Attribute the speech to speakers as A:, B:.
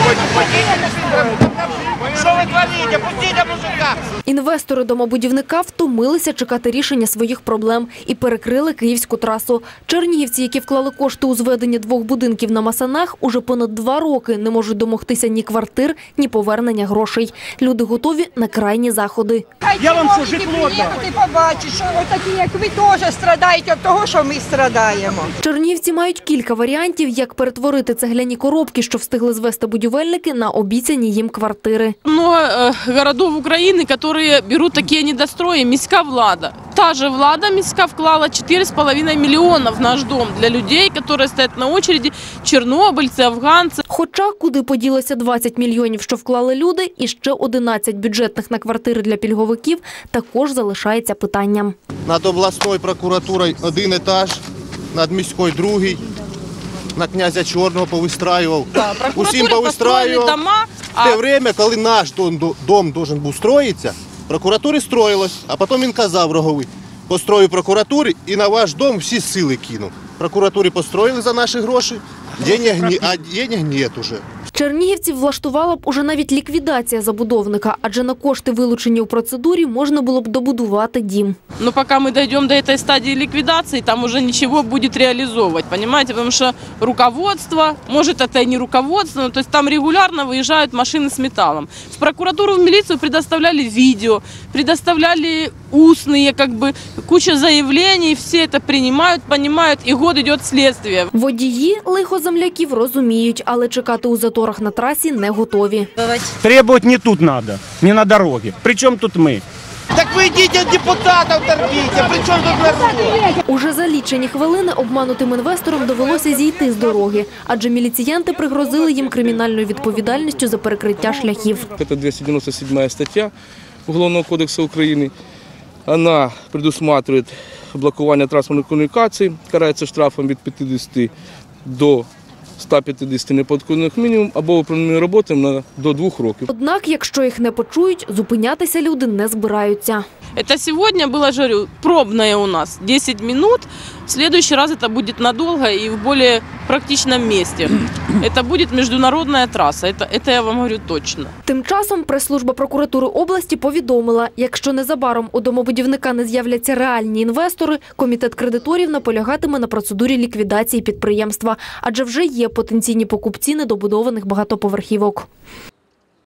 A: Что вы творите? Пустите мужика!
B: Інвестори домобудівника втомилися чекати рішення своїх проблем і перекрили київську трасу. Чернігівці, які вклали кошти у зведення 2 будинків на Масанах, уже понад 2 роки не можуть домогтися ні квартир, ні повернення грошей. Люди готові на крайні заходи.
C: Я вам що, житло дам?
D: Ти побачиш, що отакі, як ви, теж страдаєте від того, що ми страдаємо.
B: Чернігівці мають кілька варіантів, як перетворити цегляні коробки, що встигли звести будівельники, на обіцяні їм квартири.
E: Много городов Украины, которые берут такие недострои, міська влада. Та же влада міська вклала 4,5 миллиона в наш дом для людей, которые стоят на очереди, чорнобильці, афганці.
B: Хоча куди поділося 20 мільйонів, що вклали люди, і ще 11 бюджетних на квартири для пільговиків, також залишається питанням.
F: Над обласною прокуратурою 1 етаж, над міською 2, на князя Чорного повистраював. Усім повистраював. В те время, коли наш дом должен був строїтися, прокуратури строїлось, а потім він казав Роговий: построю прокуратурі і на ваш дом всі сили кину. Прокуратурі построїли за наші гроші, а денег нет уже.
B: Чернігівців влаштувала б уже навіть ліквідація забудовника, адже на кошти, вилучені у процедурі, можна було б добудувати дім.
E: Но пока мы дойдем до этой стадии ликвидации, там уже ничего будет реализовывать, понимаете? Потому что руководство, может это и не руководство, но то есть там регулярно выезжают машины с металлом. В прокуратуру, в милицию предоставляли видео, предоставляли устные, куча заявлений, все это принимают, понимают, и год идет следствие.
B: Водії лихо земляків розуміють, але чекати у заторах на трасі не готові.
C: Требовать не тут надо, не на дороге. Причем тут мы?
A: Так вы идите от депутатов торгите, при чем тут народ?
B: Уже за лічені хвилини обманутим інвесторам довелося зійти з дороги, адже міліціянти пригрозили їм кримінальною відповідальністю за перекриття шляхів.
G: Это 297 статья Уголовного кодекса Украины. Она предусматривает блокування транспортних комунікацій, карається штрафом від 50 до 150 неподконних мінімум або управління роботами до 2 років.
B: Однак, якщо їх не почують, зупинятися люди не збираються.
E: Это сегодня было, же говорю, пробное у нас 10 минут. В следующий раз это будет надолго и в более практичном месте. Это будет международная трасса, это я вам говорю точно.
B: Тим часом прес-служба прокуратури області повідомила, якщо незабаром у домобудівника не з'являться реальні інвестори, комітет кредиторів наполягатиме на процедурі ліквідації підприємства, адже вже є потенційні покупці недобудованих багатоповерхівок.